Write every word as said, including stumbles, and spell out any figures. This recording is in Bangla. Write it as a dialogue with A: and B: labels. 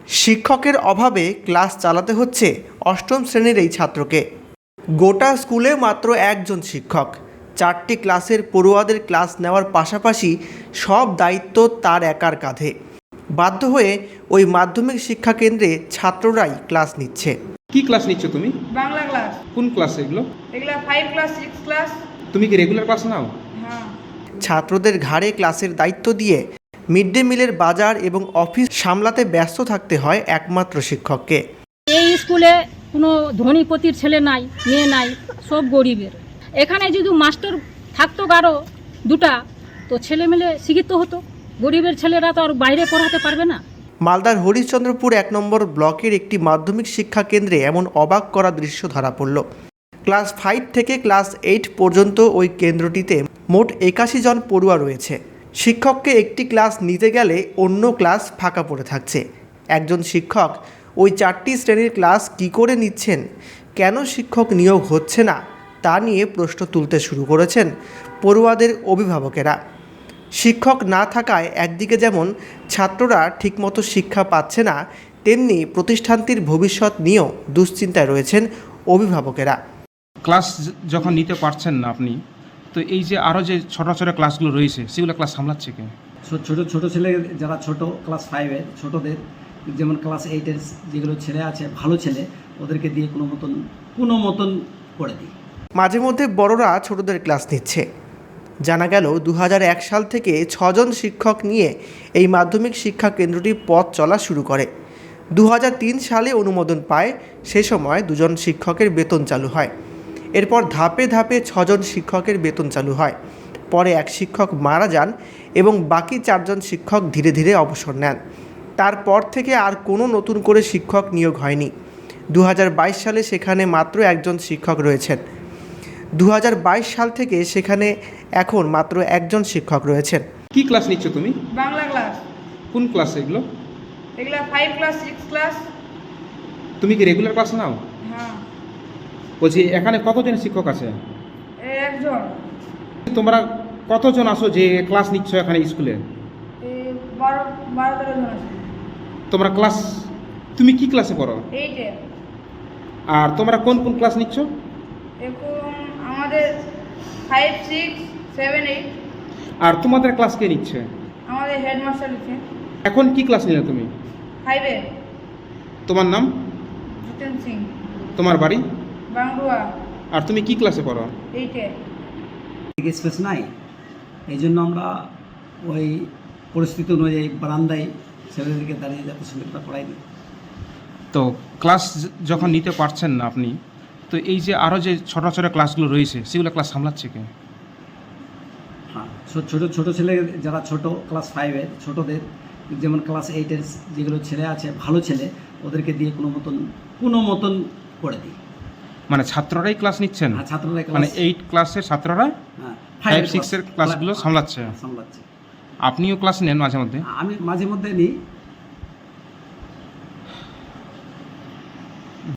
A: শিক্ষকের অভাবে ক্লাস চালাতে হচ্ছে অষ্টম শ্রেণীর এই ছাত্রকে। গোটা স্কুলে মাত্র একজন শিক্ষক, চারটি ক্লাসের পড়ুয়াদের ক্লাস নেওয়ার পাশাপাশি সব দায়িত্ব তার একার কাঁধে। বাধ্য হয়ে ওই মাধ্যমিক শিক্ষা কেন্দ্রে ছাত্ররাই ক্লাস নিচ্ছে।
B: কি ক্লাস নিচ্ছ তুমি?
C: বাংলা ক্লাস।
B: কোন ক্লাস এগুলো?
C: এগুলা ফাইভ ক্লাস, সিক্স ক্লাস।
B: তুমি কি রেগুলার ক্লাস নাও?
C: হ্যাঁ।
A: ছাত্রদের ঘাড়ে ক্লাসের দায়িত্ব দিয়ে মিড ডে মিলের বাজার এবং অফিস সামলাতে ব্যস্ত থাকতে হয় একমাত্র শিক্ষককে।
D: এই স্কুলে কোনো ধনীপতির ছেলে নাই, মেয়ে নাই, সব গরিবের। এখানে যদি মাস্টার থাকতো কারো দুটা, তো ছেলে মেলে শিক্ষিত হতো। গরিবের ছেলেরা তো আর বাইরে পড়াতে পারবে না।
A: মালদার হরিশ্চন্দ্রপুর এক নম্বর ব্লকের একটি মাধ্যমিক শিক্ষা কেন্দ্রে এমন অবাক করা দৃশ্য ধরা পড়ল। ক্লাস ফাইভ থেকে ক্লাস এইট পর্যন্ত ওই কেন্দ্রটিতে মোট একাশি জন পড়ুয়া রয়েছে। শিক্ষককে একটি ক্লাস নিতে গেলে অন্য ক্লাস ফাঁকা পড়ে থাকছে। একজন শিক্ষক ওই চারটি শ্রেণীর ক্লাস কী করে নিচ্ছেন, কেন শিক্ষক নিয়োগ হচ্ছে না, তা নিয়ে প্রশ্ন তুলতে শুরু করেছেন পড়ুয়াদের অভিভাবকেরা। শিক্ষক না থাকায় একদিকে যেমন ছাত্ররা ঠিকমতো শিক্ষা পাচ্ছে না, তেমনি প্রতিষ্ঠানটির ভবিষ্যৎ নিয়েও দুশ্চিন্তায় রয়েছেন অভিভাবকেরা।
B: ক্লাস যখন নিতে পারছেন না আপনি, তো এই যে আরও যে ছোটো ছোটো ক্লাসগুলো রয়েছে সেগুলো ক্লাস সামলাচ্ছে কে?
E: ছোট ছোট ছেলে যারা ছোট ক্লাস ফাইভের ছোটদের, যেমন ক্লাস এইটের যেগুলো ছেলে আছে ভালো ছেলে, ওদেরকে দিয়ে কোনো মতন কোনো মতন করে দিই।
A: মাঝে মধ্যে বড়রা ছোটদের ক্লাস নিচ্ছে। জানা গেল দু হাজার এক সাল থেকে ছজন শিক্ষক নিয়ে এই মাধ্যমিক শিক্ষা কেন্দ্রটি পথ চলা শুরু করে। দু হাজার তিন সালে অনুমোদন পায়, সে সময় দুজন শিক্ষকের বেতন চালু হয়। এরপর ধাপে ধাপে ছজন শিক্ষকের বেতন চালু হয়। পরে এক শিক্ষক মারা যান এবং বাকি চারজন শিক্ষক ধীরে ধীরে অবসর নেন। তারপর থেকে আর কোনো নতুন করে শিক্ষক নিয়োগ হয়নি। দু হাজার বাইশ সালে সেখানে মাত্র একজন শিক্ষক রয়েছেন। দু হাজার বাইশ সাল থেকে সেখানে এখন মাত্র একজন শিক্ষক রয়েছেন।
B: কি ক্লাস নিচ্ছ তুমি?
C: বাংলা ক্লাস।
B: কোন ক্লাস এগুলো?
C: এগুলা ফাইভ ক্লাস, সিক্স ক্লাস।
B: তুমি কি রেগুলার ক্লাস নাও?
C: হ্যাঁ।
B: বলছি এখানে কতজন শিক্ষক আছে?
C: এই একজন।
B: তোমরা কতজন আসো যে ক্লাস নিচ্ছ এখানে স্কুলে?
C: এই বারো বারো তেরো জন আছে।
B: তোমরা ক্লাস, তুমি কি ক্লাসে পড়ো?
C: এইটে।
B: আর তোমরা কোন কোন ক্লাস নিচ্ছ?
C: এখন আমাদের ফাইভ, সিক্স, সেভেন, এইট।
B: আর তোমাদের ক্লাস কে নিচ্ছে?
C: আমাদের হেডমাস্টার লিখছে।
B: এখন কি ক্লাস নিলে তুমি?
C: ফাইভে।
B: তোমার নাম?
C: জিতেন সিং।
B: তোমার বাড়ি?
C: বাংলুয়া।
B: আর তুমি কি ক্লাসে পড়ো?
C: এইটে।
E: স্পেস নাই, এই জন্য আমরা ওই পরিস্থিতি অনুযায়ী বারান্দায় ছেলেদেরকে দাঁড়িয়ে যাতে সুন্দরটা পড়াই দিই।
B: তো ক্লাস যখন নিতে পারছেন না আপনি, তো এই যে আরও যে ছোটো ছোটো ক্লাসগুলো রয়েছে সেগুলো ক্লাস সামলাচ্ছে কে?
E: হ্যাঁ, ছোট ছোট ছেলে যারা ছোট ক্লাস ফাইভের ছোটদের, যেমন ক্লাস এইটের যেগুলো ছেলে আছে ভালো ছেলে, ওদেরকে দিয়ে কোনো মতন কোনো মতন করে দিই।
B: মানে ছাত্ররাই ক্লাস নিচ্ছেন?
E: হ্যাঁ, ছাত্ররা
B: মানে এইট ক্লাসের ছাত্ররা
E: হ্যাঁ
B: ফাইভ সিক্সের ক্লাসগুলো সামলাচ্ছে?
E: সামলাচ্ছে।
B: আপনিও ক্লাস নেন মাঝে মধ্যে?
E: আমি মাঝে মধ্যে নিই,